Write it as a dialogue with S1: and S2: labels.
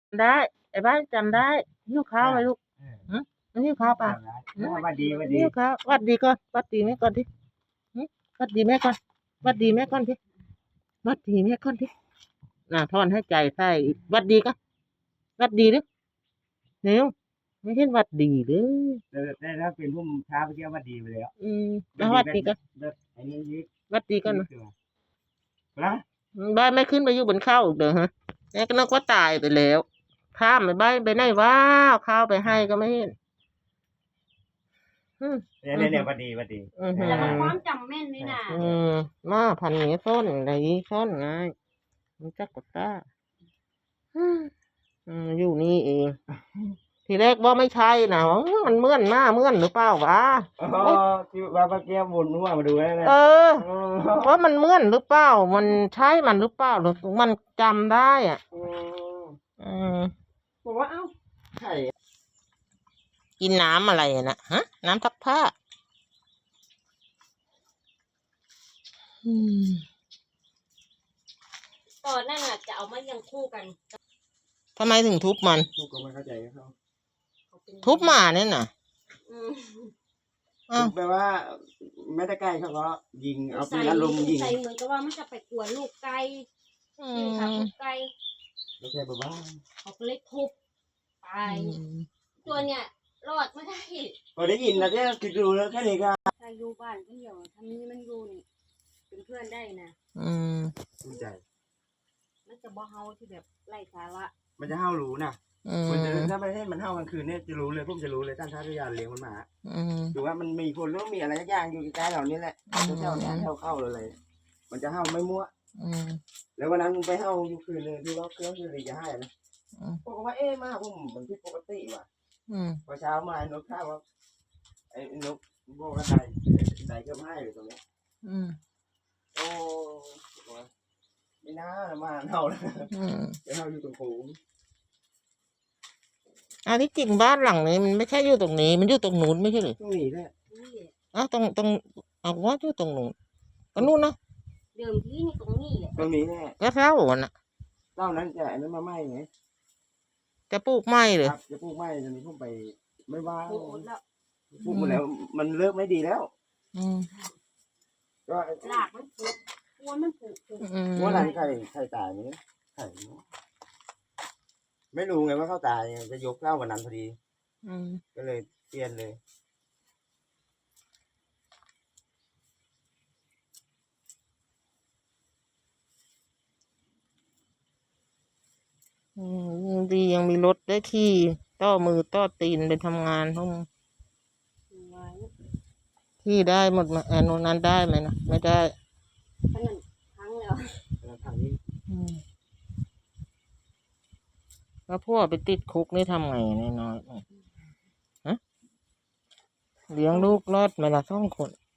S1: ได้ไอ้บ้านจำได้หิ้วข้าวไหมลูกหึมันหิ้วข้าวป่ะ
S2: ว่าดีว่าดี
S1: หิ้วข้าววัดดีก่อนวัดดีแม่ก่อนดิหึวัดดีแม่ก่อนวัดดีแม่ก่อนดิวัดดีแม่ก่อนดิถอนให้ใจใส่วัดดีก็วัดดีดิเร็วไม่เห็นวัดดีเลย
S2: ได้แล้วเป็นผู้ค้าเมื่อกี้ว่าดีไปแล้ว
S1: แล้ววัดดีก็
S2: ไอ้นี่ยึด
S1: วัดดีก่อนนะ
S2: นะ
S1: บ้านไม่ขึ้นไปอยู่บนเข้าอีกเด้อฮะแม่ก็นึกว่าตายไปแล้วข้ามไปบ้านไปไหนว้าวข้าวไปให้ก็ไม่เห็น
S2: เนี่ยว่าดีว่าดี
S3: แต่มันความจำแม่นนี่นะ
S1: มาพันนี้ซ่อนอะไรซ่อนไงมันจักกดตาอยู่นี่เอง ทีแรกว่าไม่ใช่นะมันเมื่อนมาเมื่อนหรือเปล่าวะ
S2: ที่ว่าเมื่อกี้วนหัวมาดูแล้วนะ
S1: ว่ามันเมื่อนหรือเปล่ามันใช่มันหรือเปล่าหรือมันจำได้อ่ะ
S2: บอกว่าเอ้าใช่
S1: กินน้ำอะไรนะฮะน้ำซักผ้า
S3: ตอนนั้นน่ะจะเอามายังคู่กัน
S1: ทำไมถึงทุบมัน
S2: ทุบก็ไม่เข้าใจเขา
S1: ทุบหมาเนี่ยน่ะ
S2: แปลว่าไม่ได้ใกล้เขาก็ยิงเอาปืนอารมณ์ยิง
S3: ใส่เหมือนกับว่ามันจะไปกวนลูกไก่ค่ะลูกไก่
S2: ไม่ใช่แบบว่า
S3: เขาก็เลยทุบไปตัวเนี่ยรอดไม่ได้
S2: พอได้ยินนะเนี่ยคิดดูแล้วแค่นี้ก็
S3: ถ้าอยู่บ้านก็เดี๋ยวทำนี้มันอยู่นี่เป็นเพื่อนได้นะ
S2: ภูมิใจ
S3: มันจะบ่เฮาที่แบบไร้สาระ
S2: มันจะเฮารู้นะมันจะถ้าประเทศมันเฮากลางคืนเนี่ยจะรู้เลยพวกจะรู้เลยท่านท่าทุยานเลี้ยงมันมาดูว่ามันมีคนหรือมีอะไรอย่างอยู่ใกล้ๆเหล่านี้แหละเท่านี้เข้าเลยมันจะเฮาไม่มั่วแล้ววันนั้นไปเฮาอยู่คืนนึงที่ว่าเครื่องคือจะให้นะพวกว่ามาผมมันผิดปกติว่ะพอเช้ามานกข้าวว่าไอ้นกพวกอะไรใส่เครื่องให้เลยตรงนี้โอ้ไม่น่ามาเฮาเลยจะเฮาอยู่ตรงโค้ง
S1: อันที่จริงบ้านหลังนี้มันไม่ใช่อยู่ตรงนี้มันอยู่ตรงนู้นไม่ใช่หรือ
S2: ตรงนี้แหละ
S1: ตรงเอาว่าอยู่ตรงนู้นก็นู้นนะ
S3: เดิมที่นี่ตรงนี้แหละ
S2: ตรงนี้แหละ
S1: ก็เท่าวันน่ะ
S2: เท่านั้นจะอันนั้นมาไหมไง
S1: จะปลูกไม้เลย
S2: จะปลูกไม้ตอนนี้ผมไปไม่ว่าปลูกหมดแล้วมันเลิกไม่ดีแล้ว
S3: ก็หลากมันปลูกวนมันปลูก
S2: ว่าอะไรใครตายนี้ใครไม่รู้ไงว่าเขาตายจะยกเล่าวันนั้นพอดีก็เลยเปลี่ยนเลย
S1: ดียังมีรถได้ขี่ต่อมือต่อตีนไปทำงานห้องที่ได้หมดมาโน่นนั้นได้ไหมนะไม่ได้
S3: ทั้งแล้ว
S2: ทางนี้
S1: แล้วพ่อไปติดคุกนี่ทำไงน้อยฮะเลี้ยงลูกรอดไหมล่ะ2 คน